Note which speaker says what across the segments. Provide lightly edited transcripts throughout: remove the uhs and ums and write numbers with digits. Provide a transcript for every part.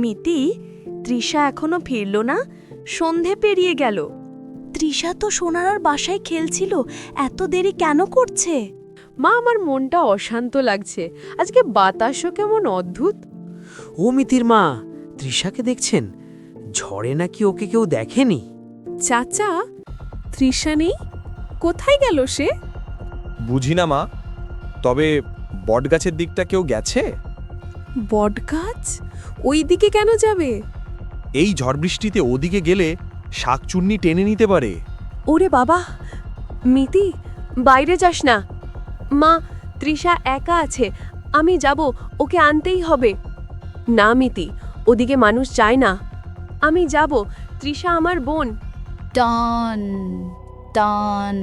Speaker 1: মিতি, তৃষা এখনো ফিরল না? সন্ধে পেরিয়ে গেল। তৃষা তো সোনারার বাসায় খেলছিল, এত দেরি কেন করছে?
Speaker 2: মা, আমার মনটা অশান্ত লাগছে। আজকে বাতাসও কেমন অদ্ভুত।
Speaker 3: ও মিতির মা, তৃষাকে দেখছেন? ঝড়ে নাকি ওকে কেউ দেখেনি।
Speaker 2: চাচা, তৃষা নেই? কোথায় গেল সে?
Speaker 4: বুঝি না মা, তবে বটগাছের দিকটা কেউ গেছে?
Speaker 2: বটগাছ? ওই দিকে কেন যাবে?
Speaker 4: এই ঝড় বৃষ্টিতে ওদিকে গেলে শাকচুন্নি টেনে নিতে পারে।
Speaker 2: ওরে বাবা! মিতি, বাইরে যাস না। মা, তৃষা একা আছে, আমি যাব, ওকে আনতেই হবে। না মিতি, ওদিকে মানুষ যায় না। আমি যাব, তৃষা আমার বোন।
Speaker 5: টান টান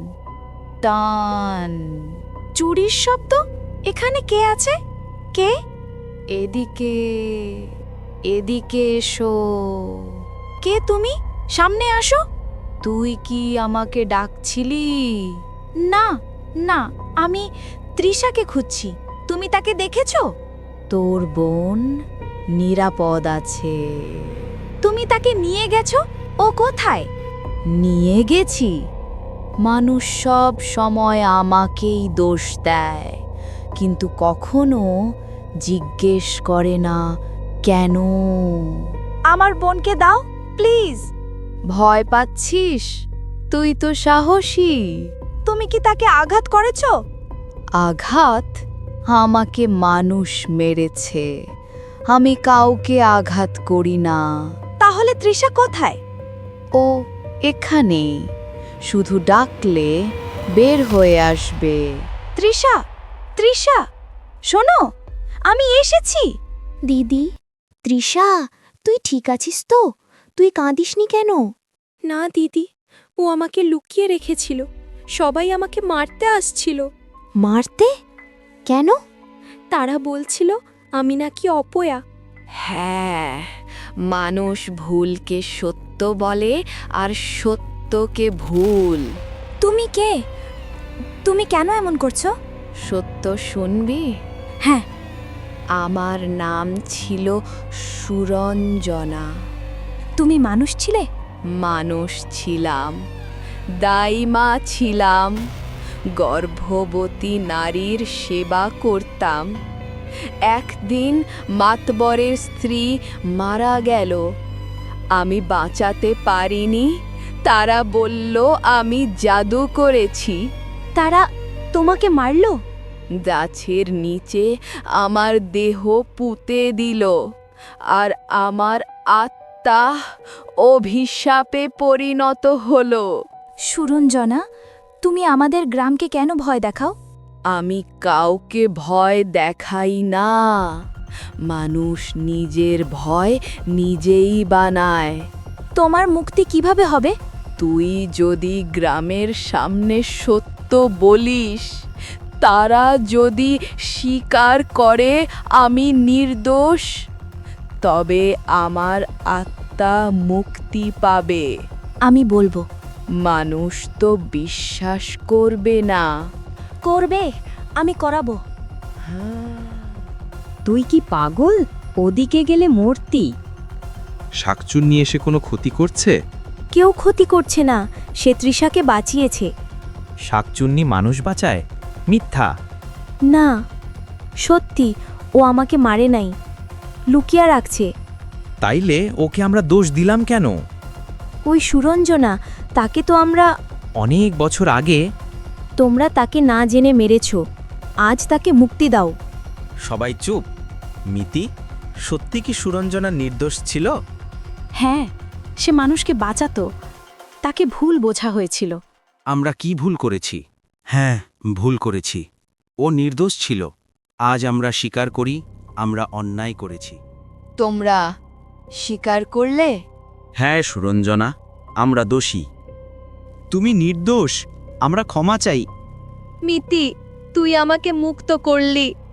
Speaker 5: টান।
Speaker 1: চুরির শব্দ? এখানে কে আছে? কে?
Speaker 5: এদিকে এদিকে এসো।
Speaker 1: কে তুমি? সামনে আসো।
Speaker 5: তুই কি আমাকে ডাকছিলি?
Speaker 1: না না, আমি তৃষাকে খুঁজছি। তুমি তাকে দেখেছো?
Speaker 5: তোর বোন নিরাপদ আছে।
Speaker 1: তুমি তাকে নিয়ে গেছো? ও কোথায়?
Speaker 5: নিয়ে গেছি? মানুষ সব সময় আমাকেই দোষ দেয়, কিন্তু কখনো জিজ্ঞেস করে না কেন।
Speaker 1: আমার বোনকে দাও প্লিজ।
Speaker 5: ভয় পাচ্ছিস? তুই তো সাহসী।
Speaker 1: তুমি কি তাকে আঘাত করেছো?
Speaker 5: আঘাত? আমাকে মানুষ মেরেছে, আমি কাউকে আঘাত করি না।
Speaker 1: তাহলে তৃষা কোথায়?
Speaker 5: ও এখানে, শুধু ডাকলে বের হয়ে আসবে।
Speaker 1: তৃষা, তৃষা, শোনো, আমি এসেছি।
Speaker 6: দিদি, তৃষা, তুই ঠিক আছিস তো? তুই কাঁদিসনি কেন?
Speaker 1: না দিদি, ও আমাকে লুকিয়ে রেখেছিল। সবাই আমাকে মারতে আসছিল।
Speaker 6: মারতে? কেন?
Speaker 1: তারা বলছিল আমি নাকি অপয়া।
Speaker 5: হ্যাঁ, মানুষ ভুলকে সত্য বলে আর সত্যকে ভুল।
Speaker 1: তুমি কে? তুমি কেন এমন করছো?
Speaker 5: সত্য শুনবি?
Speaker 1: হ্যাঁ।
Speaker 5: আমার নাম ছিল সুরঞ্জনা।
Speaker 1: তুমি মানুষ ছিলে?
Speaker 5: মানুষ ছিলাম, দাইমা ছিলাম, গর্ভবতী নারীর সেবা করতাম। একদিন মাতবরের স্ত্রী মারা গেল, আমি বাঁচাতে পারিনি। তারা বলল আমি জাদু করেছি।
Speaker 1: তারা তোমাকে মারলো?
Speaker 5: গাছের নিচে আমার দেহ পুঁতে দিল, আর আমার আত্মা অভিশাপে পরিণত হলো।
Speaker 1: সুরঞ্জনা, তুমি আমাদের গ্রামকে কেন ভয় দেখাও?
Speaker 5: আমি কাউকে ভয় দেখাই না। মানুষ নিজের ভয় নিজেই বানায়।
Speaker 1: তোমার মুক্তি কিভাবে হবে?
Speaker 5: তুই যদি গ্রামের সামনে সত্য বলিস, তারা যদি স্বীকার করে আমি নির্দোষ, তবে আমার আত্মা মুক্তি পাবে।
Speaker 1: আমি বলবো।
Speaker 5: মানুষ তো বিশ্বাস করবে না।
Speaker 1: করবে, আমি করাবো।
Speaker 7: তুই কি পাগল? ওদিকে গেলে মরতি।
Speaker 4: শাকচুন্নি এসে কোনো ক্ষতি করছে?
Speaker 1: কেউ ক্ষতি করছে না, সে তৃষাকে বাঁচিয়েছে।
Speaker 8: শাকচুন্নি মানুষ বাঁচায়? মিথ্যা।
Speaker 1: না, সত্যি, ও আমাকে মারে নাই, লুকিয়ে রাখছে।
Speaker 8: তাইলে ওকে আমরা দোষ দিলাম কেন?
Speaker 1: ওই সুরঞ্জনা, তাকে তো আমরা।
Speaker 8: অনেক বছর আগে।
Speaker 1: তোমরা তাকে না জেনে মেরেছ, আজ তাকে মুক্তি দাও।
Speaker 8: সবাই চুপ। মিতি, সত্যি কি সুরঞ্জনা নির্দোষ ছিল?
Speaker 1: হ্যাঁ, সে মানুষকে বাঁচাতো, তাকে ভুল বোঝা হয়েছিল।
Speaker 9: আমরা কি ভুল করেছি? হ্যাঁ, ভুল করেছি। ও নির্দোষ ছিল। আজ আমরা স্বীকার করি আমরা অন্যায় করেছি।
Speaker 5: তোমরা স্বীকার করলে?
Speaker 9: হ্যাঁ সুরঞ্জনা, আমরা দোষী।
Speaker 8: তুমি নির্দোষ, আমরা ক্ষমা চাই।
Speaker 2: মিতি, তুই আমাকে মুক্ত করলি।